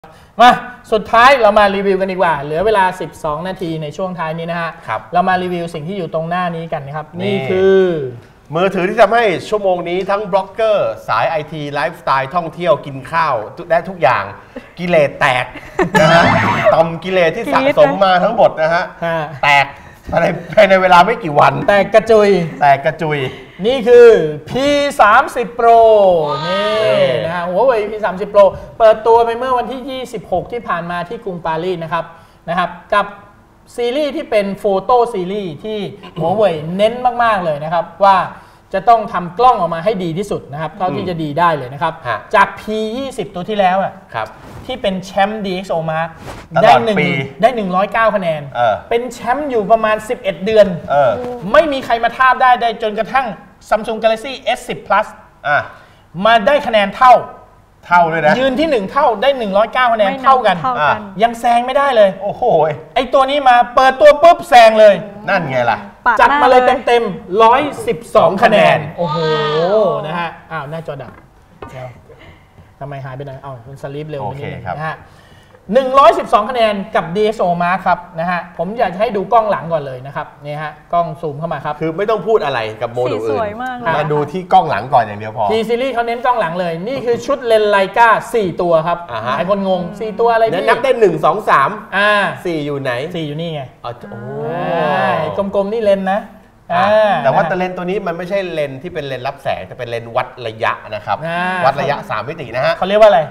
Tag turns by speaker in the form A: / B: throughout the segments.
A: มาสุดท้ายเรามารีวิวกันดีกว่าเหลือเวลา12นาทีในช่วงท้ายนี้นะฮะเรามารีวิวสิ่งที่อยู่ตรงหน้านี้กันนะครับนี่คือ
B: มือถือที่ทำให้ชั่วโมงนี้ทั้งบล็อกเกอร์สายไอทีไลฟ์สไตล์ท่องเที่ยวกินข้าวได้ทุกอย่างกิเลสแตกนะฮะต่อมกิเลสที่สะสมมาทั้งหมดนะฮะแตกภายในเวลาไม่กี่วัน
A: แตกกระจุยนี่คือ P30 Pro นี่นะฮะ Huawei P30 Pro เปิดตัวไปเมื่อวันที่26ที่ผ่านมาที่กรุงปารีสนะครับกับซีรีส์ที่เป็นโฟโต้ซีรีส์ที่ Huawei เน้นมากๆเลยนะครับว่าจะต้องทำกล้องออกมาให้ดีที่สุดนะครับเท่าที่จะดีได้เลยนะครับจาก P20 ตัวที่แล้วที่เป็นแชมป์ DxO Mark ได้109คะแนนเป็นแชมป์อยู่ประมาณ11เดือนไม่มีใครมาทาบได้จนกระทั่ง Samsung Galaxy S10 Plus มาได้คะแนนเท่า
B: เลยนะ
A: ยืนที่1เท่าได้109คะแนนเท่ากันยังแซงไม่ได้เลย
B: โอ้โห
A: ไอตัวนี้มาเปิดตัวปุ๊บแซงเลย
B: นั่นไงล่ะ
A: จัดมาเลยเต็ม112คะแนนโอ้โหนะฮะหน้าจอดับทำไมหายไปไหนคุณสลีปเร็วนิดนึงนะฮะ112คะแนนกับ DxO Mark ครับนะฮะผมอยากจะให้ดูกล้องหลังก่อนเลยนะครับนี่ฮะกล้องซูมเข้ามาครับ
B: คือไม่ต้องพูดอะไรกับโมดูลอื่นมาดูที่กล้องหลังก่อนอย่างเดียวพอ
A: P Series เขาเน้นกล้องหลังเลยนี่คือชุดเลนส์ไลกา4ตัวครับหลายคนงง4ตัวอะไรพี่
B: นับได้1 2 3 4อยู่ไหน
A: 4อยู่นี่ไง
B: โอ้
A: กลมๆนี่เลนส์นะ
B: แต่ว่าเลนส์ตัวนี้มันไม่ใช่เลนส์ที่เป็นเลนส์รับแสงแต่เป็นเลนส์วัดระยะนะครับวัดระยะ3มิตินะฮะ
A: เขาเรียกว่าอะไร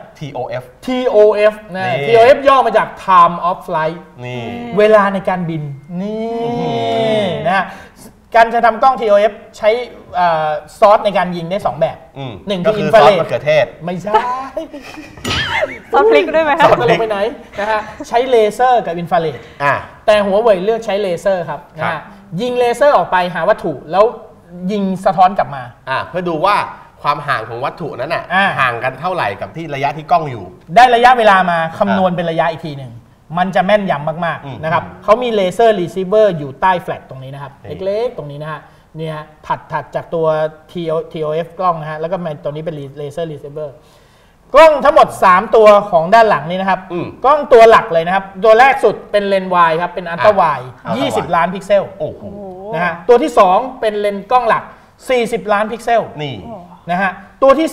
B: TOF
A: นะ TOF ย่อมาจาก Time of Flight
B: นี่
A: เวลาในการบินนี่นะฮะการจะทำกล้อง TOF ใช้ซอสในการยิงได้2แบบหนึ่งคืออินฟราเรด
B: มะเขือเทศ
A: ไม่ใช่
C: ซอสพลิกด้วยไหมครับ
A: ซอสลงไปไหนนะฮะใช้เลเซอร์กับอินฟราเรดแต่หัวเว่ยเลือกใช้เลเซอร์ครับนะฮะยิงเลเซอร์ออกไปหาวัตถุแล้วยิงสะท้อนกลับมา
B: เพื่อดูว่าความห่างของวัตถุนั้นห่างกันเท่าไหร่กับที่ระยะที่กล้องอยู่
A: ได้ระยะเวลามาคำนวณเป็นระยะอีกทีหนึ่งมันจะแม่นยำมากๆนะครับเขามีเลเซอร์รีเซิเวอร์อยู่ใต้แฟลชตรงนี้นะครับเล็กๆตรงนี้นะฮะเนี่ยถัดจากตัว TOF กล้องนะฮะแล้วก็ตัวนี้เป็นเลเซอร์รีเซิเวอร์กล้องทั้งหมด3ตัวของด้านหลังนี้นะครับกล้องตัวหลักเลยนะครับตัวแรกสุดเป็นเลนส์วายครับเป็นอัลตร้าไวด์20ล้านพิกเซลนะฮะตัวที่2เป็นเลนส์กล้องหลัก40ล้านพิกเซล
B: นี่
A: นะฮะตัวที่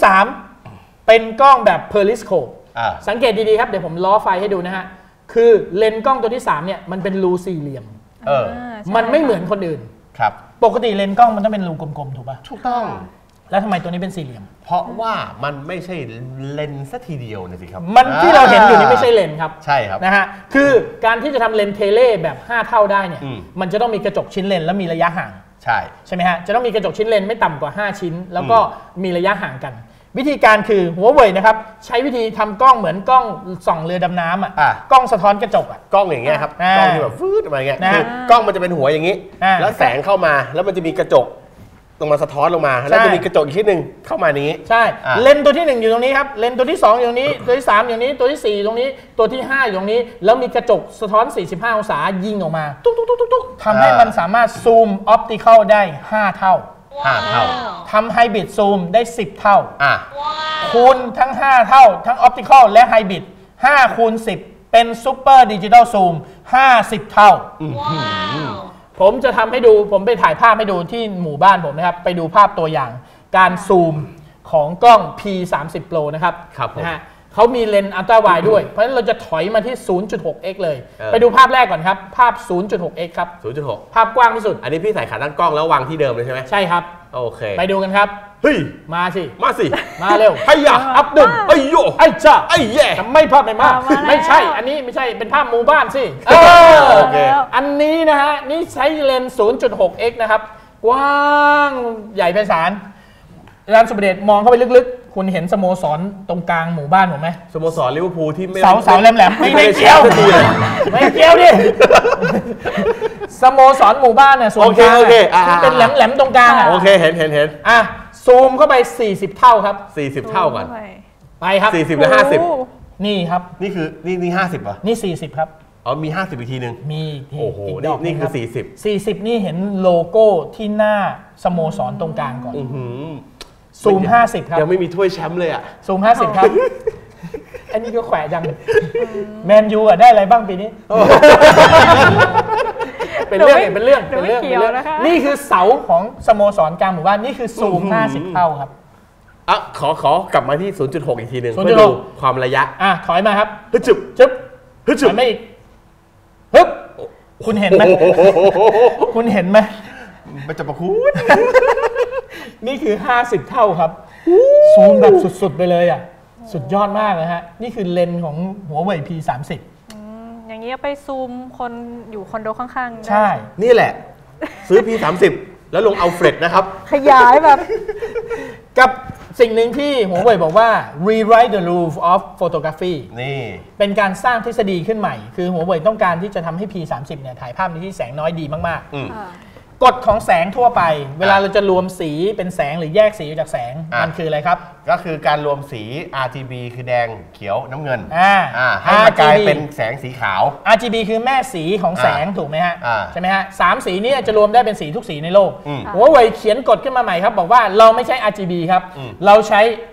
A: 3เป็นกล้องแบบเพอริสโคปสังเกตดีๆครับเดี๋ยวผมล้อไฟให้ดูนะฮะคือเลนส์กล้องตัวที่3เนี่ยมันเป็นรูสี่เหลี่ยมมันไม่เหมือนคนอื่น
B: ครับ
A: ปกติเลนส์กล้องมันต้องเป็นรูกลมๆถูกป่ะ
B: ถูกต้อง
A: แล้วทำไมตัวนี้เป็นสี่เหลี่ยม
B: เพราะว่ามันไม่ใช่เลนส์ซะทีเดียวนะสิครับ
A: มันที่เราเห็นอยู่นี่ไม่ใช่เลนส์ครับ
B: ใช่ครับ
A: นะฮะคือการที่จะทำเลนส์เทเลแบบ5เท่าได้เนี่ยมันจะต้องมีกระจกชิ้นเลนส์และมีระยะห่างใช่ไหมฮะจะต้องมีกระจกชิ้นเลนส์ไม่ต่ำกว่า5ชิ้นแล้วก็มีระยะห่างกันวิธีการคือหัวเว่ยนะครับใช้วิธีทำกล้องเหมือนกล้องส่องเรือดำน้ำกล้องสะท้อนกระจก
B: กล้องอย่างเงี้ยครับกล้องที่แบบฟืดอะไรเงี้ยคือกล้องมันจะเป็นหัวอย่างนี้แล้วแสงเข้ามาแล้วมันจะมีกระจกลงมาสะท้อนลงมาแล้วจะมีกระจกอีกชิ้นหนึ่งเข้ามานี้
A: ใช่เลนส์ตัวที่1อยู่ตรงนี้ครับเลนส์ตัวที่2อยู่ตรงนี้ตัวที่3อยู่นี้ตัวที่4ตรงนี้ตัวที่5อยู่ตรงนี้แล้วมีกระจกสะท้อน45องศายิงออกมาตุ๊กทำให้มันสามารถซูมออปติคอลได้5เท่าทำไฮบริดซูมได้10เท่าคูณทั้ง5เท่าทั้งออปติคอลและไฮบริด5คูณ10เป็นซูเปอร์ดิจิตอลซูม50เท่าผมจะทำให้ดูผมไปถ่ายภาพให้ดูที่หมู่บ้านผมนะครับไปดูภาพตัวอย่างการซูมของกล้อง P30 Pro นะครับนะฮะเขามีเลนส์อัลตร้าไวด์ด้วยเพราะฉะนั้นเราจะถอยมาที่ 0.6x เลยไปดูภาพแรกก่อนครับภาพ 0.6x ครับ
B: 0.6
A: ภาพกว้างที่สุด
B: อันนี้พี่ใส่ขาตั้งกล้องแล้ววางที่เดิมเลยใช่ไหม
A: ใช่ครับ
B: โอเค
A: ไปดูกันครับ
B: เฮ้ย
A: มาสิมาเร็ว
B: ไอ้ยะ
A: อับดุล
B: ไอ้โย
A: ไอ้จ้า
B: ไอ้แย่
A: ไม่ภาพไหนมาไม่ใช่อันนี้ไม่ใช่เป็นภาพหมู่บ้านสิ
B: โอเค
A: อันนี้นะฮะนี่ใช้เลนส์ 0.6x นะครับกว้างใหญ่ไพศาลอาจารย์สุประเดชมองเข้าไปลึกๆคุณเห็นสโมสรตรงกลางหมู่บ้านผมไหม
B: สโมสรลิเวอร์พูลที่
A: เสาแหลมๆไม่เกี่ยวไม่เกี่ยวดิสโมสรหมู่บ้านเนี่ยส่วนกลางที่เป็นแหลมๆตรงกลาง
B: โอเคเห็น
A: ซูมเข้าไป40เท่าครับ
B: 40เท่าก่อน
A: ไปครับ
B: 40และ50
A: นี่ครับ
B: นี่คือนี่50ป่ะ
A: นี่40ครับ
B: มี50อีกทีนึง
A: มี
B: โอ้โหนี่คือ
A: 40นี่เห็นโลโก้ที่หน้าสโมสรตรงกลางก่อนซูม50ครับ
B: ยังไม่มีถ้วยแชมป์เลย
A: ซูม50ครับไออันนี้ก็แขวะจังแมนยูได้อะไรบ้างปีนี้เป็นเรื่องนี่คือเสาของสโมสรกลางหมู่บ้านนี่คือซูม50 เท่าครับ
B: ขอกลับมาที่ 0.6 อีกทีหนึ่ง
A: 0.6
B: เพื่อดูความระยะ
A: ถอยมาครับ
B: ฮึจึบ
A: ถอยมาอีกฮึบคุณเห็นไหมคุณเห็นไหม
B: มันจะประคุณ
A: นี่คือ50 เท่าครับซูมแบบสุดๆไปเลยอ่ะสุดยอดมากนะฮะนี่คือเลนส์ของหัวเว่ย P30
C: อย่างนี้ไปซูมคนอยู่คอนโดข้างๆ
A: ใช่
B: นี่แหละซื้อ P30 แล้วลงเอาเฟรดนะครับ
C: ขยายแบบ
A: กับสิ่งหนึ่งที่หัวเว่ยบอกว่า rewrite the rules of photography
B: นี่
A: เป็นการสร้างทฤษฎีขึ้นใหม่คือหัวเว่ยต้องการที่จะทำให้ P30 เนี่ยถ่ายภาพในที่แสงน้อยดีมากๆกฎของแสงทั่วไปเวลาเราจะรวมสีเป็นแสงหรือแยกสีจากแสงมันคืออะไรครับ
B: ก็คือการรวมสี RGB คือแดงเขียวน้ำเงินให้มากลายเป็นแสงสีขาว
A: RGB คือแม่สีของแสงถูกไหมฮะใช่ไหมฮะ3 สีนี้จะรวมได้เป็นสีทุกสีในโลกหัวเว่ยเขียนกฎขึ้นมาใหม่ครับบอกว่าเราไม่ใช้ RGB ครับเราใช้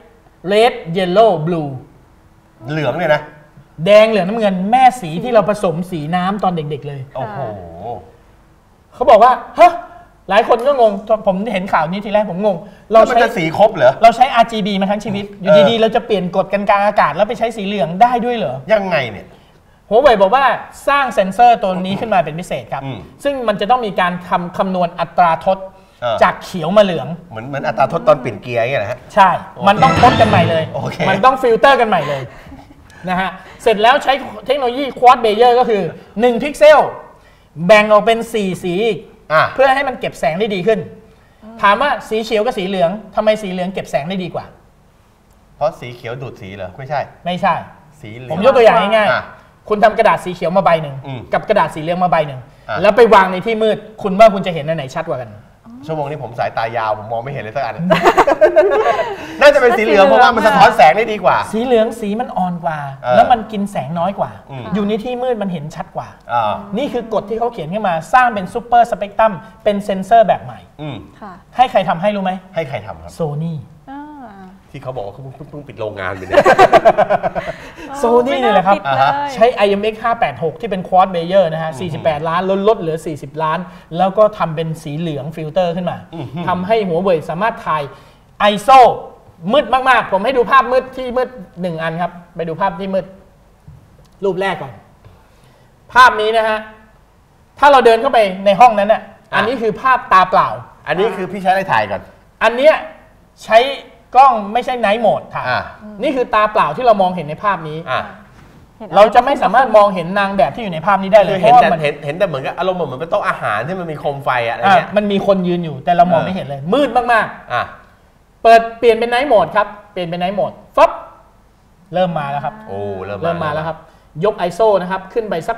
A: red yellow blue
B: เหลืองเลยนะ
A: แดงเหลืองน้ำเงินแม่สีที่เราผสมสีน้ำตอนเด็กๆเลย
B: โอ้โห
A: เขาบอกว่าฮะหลายคนก็งงผมเห็นข่าวนี้ทีแรกผมงง
B: เราใช้สีครบเหรอ
A: เราใช้ RGB มาทั้งชีวิตอยู่ดีๆเราจะเปลี่ยนกฎกันกลางอากาศแล้วไปใช้สีเหลืองได้ด้วยเหรอ
B: ยังไงเนี่ย
A: หัวเว่ยบอกว่าสร้างเซ็นเซอร์ตัวนี้ขึ้นมาเป็นพิเศษครับซึ่งมันจะต้องมีการคำนวณอัตราทดจากเขียวมาเหลือง
B: เหมือนอัตราทดตอนเปลี่ยนเกียร์อย่างเงี้ยนะฮะ
A: ใช่มันต้องทดกันใหม่เลยมันต้องฟิลเตอร์กันใหม่เลยนะฮะเสร็จแล้วใช้เทคโนโลยีควอดเบเยอร์ก็คือ1พิกเซลแบ่งออกเป็น4สีเพื่อให้มันเก็บแสงได้ดีขึ้นถามว่าสีเขียวกับสีเหลืองทำไมสีเหลืองเก็บแสงได้ดีกว่า
B: เพราะสีเขียวดูดสีเหรอไม่ใช่
A: สีเหลืองผมยกตัวอย่างง่ายๆคุณทำกระดาษสีเขียวมาใบหนึ่งกับกระดาษสีเหลืองมาใบหนึ่งแล้วไปวางในที่มืดคุณว่าคุณจะเห็นอันไหนชัดกว่ากัน
B: ชั่วโมงนี้ผมสายตายาวผมมองไม่เห็นเลยสักอันน่าจะเป็นสีเหลืองเพราะว่ามันสะท้อนแสงได้ดีกว่า
A: สีเหลืองสีมันอ่อนกว่าแล้วมันกินแสงน้อยกว่าอยู่ในที่มืดมันเห็นชัดกว่านี่คือกฎที่เขาเขียนขึ้นมาสร้างเป็นซูเปอร์สเปกตรัมเป็นเซนเซอร์แบบใหม่ให้ใครทำให้รู้ไหม
B: ให้ใครทำครับ
A: โซนี่
B: ที่เขาบอกว่าเขาเพิ่งปิดโรงงานไปเนี่ย
A: โซนี่นี่แหละครับใช้ IMX 586ที่เป็นควอดเบเยอร์นะฮะ48 ล้านลดเหลือ40 ล้านแล้วก็ทำเป็นสีเหลืองฟิลเตอร์ขึ้นมาทำให้หัวเว่ยสามารถถ่าย ISO มืดมากๆผมให้ดูภาพมืดที่มืด1อันครับไปดูภาพที่มืดรูปแรกก่อนภาพนี้นะฮะถ้าเราเดินเข้าไปในห้องนั้นน่ะอันนี้คือภาพตาเปล่า
B: อันนี้คือพี่ใช้อะไรถ่ายก่อน
A: อันเนี้ยใช้กล้องไม่ใช่ไนท์โหมดถ่ายนี่คือตาเปล่าที่เรามองเห็นในภาพนี้เราจะไม่สามารถมองเห็นนางแบบที่อยู่ในภาพนี้ได้เลย
B: เพราะว่ามันเห็นแต่เหมือนกับอารมณ์เหมือนเป็นโต๊ะอาหารที่มันมีโคมไฟอะไรเงี้ย
A: มันมีคนยืนอยู่แต่เรามองไม่เห็นเลยมืดมากๆเปลี่ยนเป็นไนท์โหมดครับเปลี่ยนเป็นไนท์โหมดฟับเริ่มมาแล้วครับ
B: โอ้
A: เริ่มมาแล้วครับยก ISO นะครับขึ้นไปสัก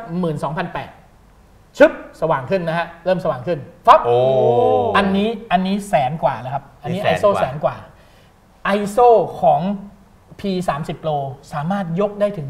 A: 12,800 ชึบสว่างขึ้นนะฮะเริ่มสว่างขึ้นฟับอันนี้แสนกว่าแล้วครับอันนี้ ISO แสนกว่า ISO ของ P30 Pro สามารถยกได้ถึง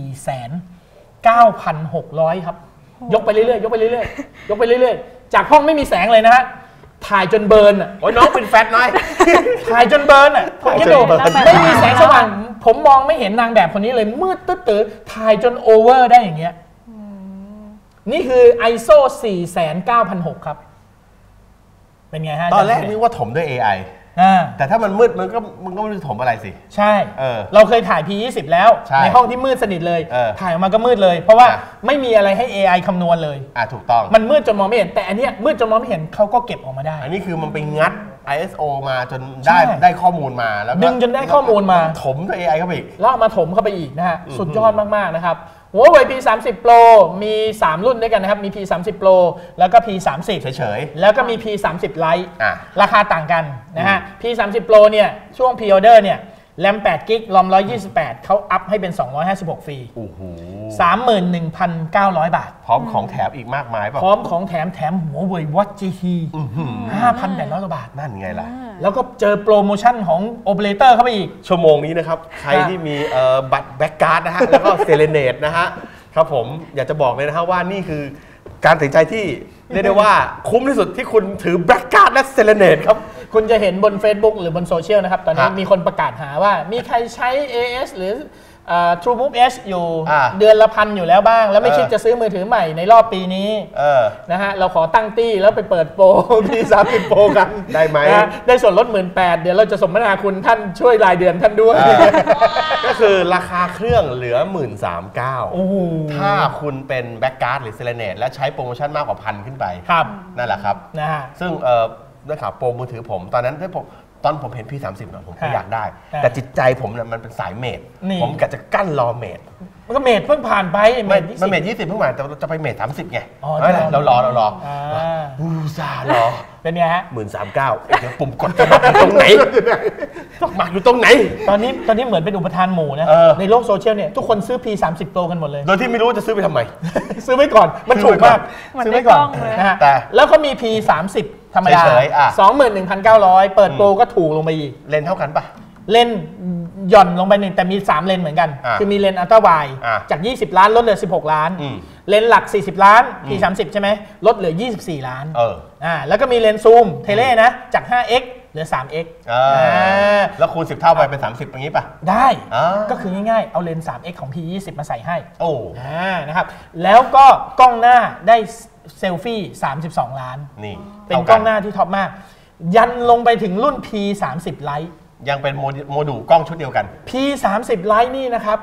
A: 49,600 ครับยกไปเรื่อยๆยกไปเรื่อยๆยกไปเรื่อยๆจากห้องไม่มีแสงเลยนะฮะถ่ายจนเบิร์นอ่ะ
B: โอ้ยน้องเป็นแฟตน้อย
A: ถ่ายจนเบิร์นอ่ะผมคิดดูไม่มีแสงสว่างผมมองไม่เห็นนางแบบคนนี้เลยมืดตื้อๆถ่ายจนโอเวอร์ได้อย่างเงี้ยนี่คือ ISO 49,600 ครับเป็นไงฮะ
B: ตอนแรกนึกว่าถมด้วย AIแต่ถ้ามันมืดมันก็ไม่รู้ถมอะไรสิ
A: ใช่เราเคยถ่าย P20 แล้วในห้องที่มืดสนิทเลยถ่ายออกมาก็มืดเลยเพราะว่าไม่มีอะไรให้ AI คำนวณเลย
B: ถูกต้อง
A: มันมืดจนมองไม่เห็นแต่อันเนี้ยมืดจนมองไม่เห็นเขาก็เก็บออกมาได้
B: อันนี้คือมันไปงัด ISO มาจนได้ข้อมูลมาแล้ว
A: ดึงจนได้ข้อมูลมา
B: ถมด้วย AI เข้าไปอีก
A: แล้วมาถมเข้าไปอีกนะฮะสุดยอดมากๆนะครับหัวเว่ย P30 Pro มี3รุ่นด้วยกันนะครับมี P30 Pro แล้วก็ P30
B: เฉย
A: ๆแล้วก็มี P30 Lite ราคาต่างกันนะฮะ P30 Pro เนี่ยช่วง Pre-order เนี่ยแรม8 กิกรอม128เขาอัพให้เป็น256ฟรี
B: โอ้โห
A: 31,900 บาท
B: พร้อมของแถมอีกมากมายป่ะ
A: พร้อมของแถมหัวเว่ย Watch GT 5,800 บาท
B: นั่นไงล่ะ
A: แล้วก็เจอโปรโมชั่นของโอเปอเรเตอร์เข้าไปอีก
B: ชั่วโมงนี้นะครับใครที่มีบัตรแบ็กการ์ดนะฮะแล้วก็เซเลเนตนะฮะครับผมอยากจะบอกเลยนะฮะว่านี่คือการตัดสินใจที่เรียกได้ว่าคุ้มที่สุดที่คุณถือแบ็กการ์ดและเซเลเนตครับคุณจะเห็นบน Facebook หรือบนโซเชียลนะครับตอนนี้มีคนประกาศหาว่ามีใครใช้ AS หรือ
A: True Move S อยู่
B: อ่า
A: เดือนละ1,000อยู่แล้วบ้าง แล้วไม่คิดจะซื้อมือถือใหม่ในรอบปีนี้นะฮะเราขอตั้งตี้แล้วไปเปิดโปร P30 Pro กัน
B: ได้ไหม
A: นะได้ส่วนลด 18,000 เดี๋ยวเราจะสมนาคุณท่านช่วยรายเดือนท่านด้วย
B: ก็คือราคาเครื่องเหลือ 13,900
A: โอ้โห
B: ถ้าคุณเป็นแบ็กการ์ดหรือเซเลเนตและใช้โปรโมชั่นมากกว่า1,000ขึ้นไป
A: ครับ
B: นั่นแหละครับ
A: นะฮะ
B: ซึ่งได้ข่าวโปรมือถือผมตอนนั้นตอนผมเห็น P30 นะผมก็อยากได้
A: ครับ
B: แต่จิตใจผมเนี่ยมันเป็นสายเมด
A: นี่
B: ผมกะจะกั้นรอเมด
A: มันก็เมทเพิ่งผ่านไป
B: มัน
A: 20
B: เมด20เพิ่งมาแต่เราจะไปเมด30ไง
A: อ๋อ
B: เออเรารอ
A: อ่า
B: อูซารอ
A: เป็นไงฮะ
B: 13,900เดี๋ยวปุ่มกดสมัครอยู่ตรงไหนสมัครอยู่ตรงไหน
A: ตอนนี้เหมือนเป็นอุปทานหมู่นะ ในโลกโซเชียลเนี่ยทุกคนซื้อ P30 Pro กันหมดเลย
B: โดยที่ไม่รู้ว่าจะซื้อไปทำไม
A: ซื้อไว้ก่อน มันถูกมาก
C: เหมือน
A: ซื้อ
C: ใน
A: ไว้
C: ก
A: ก่อ
C: ล้
A: น
C: องเลย
A: นะฮะ
B: แต่
A: แล้วเขามี P30 ธรรมดา
B: เฉยๆอ่ะ
A: 21,900 เปิดโปรก็ถูกลงไปอีก
B: เลนเท่ากันปะ
A: เลนหย่อนลงไปหนึ่งแต่มี 3 เลนเหมือนกัน คือมีเลนอัลตร้าไวด์
B: อ่ะ
A: จาก 20 ล้านลดเหลือ 16 ล้าน
B: อืม
A: เลนหลัก 40 ล้าน P30 ใช่ไหมลดเหลือ 24 ล้าน แล้วก็มีเลนซูมเทเลนะจาก 5x เหลือ 3x
B: แล้วคูณ10 เท่าไปเป็น30อย่างนี้ปะ
A: ได้
B: อ่า
A: ก็คือง่ายๆ เอาเลนส์ 3x ของ P20 มาใส่ให้
B: โอ้
A: นะครับ แล้วก็กล้องหน้าได้เซลฟี่ 32 ล้าน
B: นี่
A: เป็นกล้องหน้าที่ท็อปมาก ยันลงไปถึงรุ่น P30 Lite
B: ยังเป็นโมดูลกล้องชุดเดียวกัน
A: P30 Lite นี่นะครับ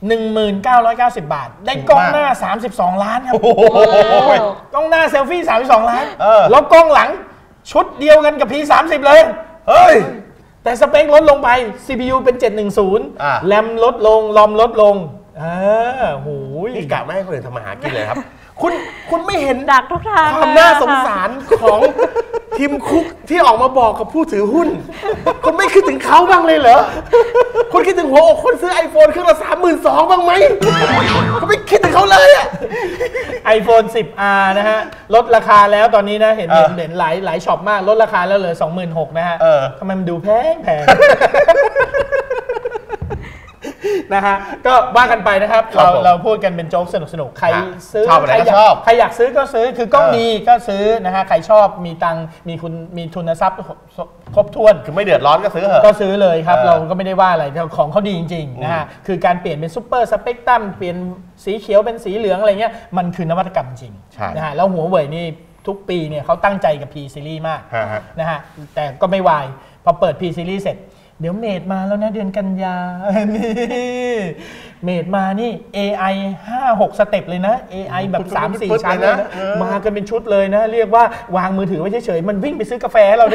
A: 1990 บาท ได้กล้องหน้า 32 ล้านครับ
B: โอ้โห
A: กล้องหน้าเซลฟี่ 32 ล้าน
B: เออ
A: แล้วกล้องหลังชุดเดียวกันกับ P30 เลย
B: เฮ้ย
A: แต่สเปคลดลงไป CPU เป็น 710 แรมลดลง รอมลดลงโหย
B: นี่กะไม่ให้คนอื่นทำมาหากินเลยครับ คุณไม่เห็น
C: ดักทุกทาง
B: ความน่าสงสารของทีมคุกที่ออกมาบอกกับผู้ถือหุ้น คุณไม่คิดถึงเขาบ้างเลยเหรอ คุณคิดถึงหัวอกคนซื้อ iPhone เครื่องละ32,000บ้างไหมคุณไม่คิดถึงเขาเลยอะ
A: iPhone 10R นะฮะ ลดราคาแล้วตอนนี้นะ เห็นหลายช็อปมาก ลดราคาแล้วเหลือ 26,000นะฮะทำไมมันดูแพงนะฮะก็ว่ากันไปนะครับ เราพูดกันเป็นโจ๊กสนุกๆ ใครซื้อ
B: ชอบอะไรก็ชอบ
A: ใครอยากซื้อก็ซื้อคือกล้องดีก็ซื้อนะฮะใครชอบมีตังค์มีทุนทรัพย์ครบถ้วน
B: คือไม่เดือดร้อนก็ซื้อเหอะ
A: ก็ซื้อเลยครับ เราก็ไม่ได้ว่าอะไรของเขาดีจริงๆนะฮะคือการเปลี่ยนเป็นซูเปอร์สเปกตรัมเปลี่ยนสีเขียวเป็นสีเหลืองอะไรเงี้ยมันคือนวัตกรรมจริง
B: ใช่
A: นะฮะแล้วหัวเว่ยนี่ทุกปีเนี่ยเขาตั้งใจกับ P Series มาก
B: ฮะ
A: นะฮะแต่ก็ไม่วายพอเปิด P Series เสร็จเดี๋ยวเมดมาแล้วนะเดือนกันยา นี่เมดมานี่ AI 5-6 สเต็ปเลยนะ AI แบบ 3-4 ชั้นเลยนะมากันเป็นชุดเลยนะ เรียกว่าวางมือถือไว้เฉยๆมันวิ่งไปซื้อกาแฟเรา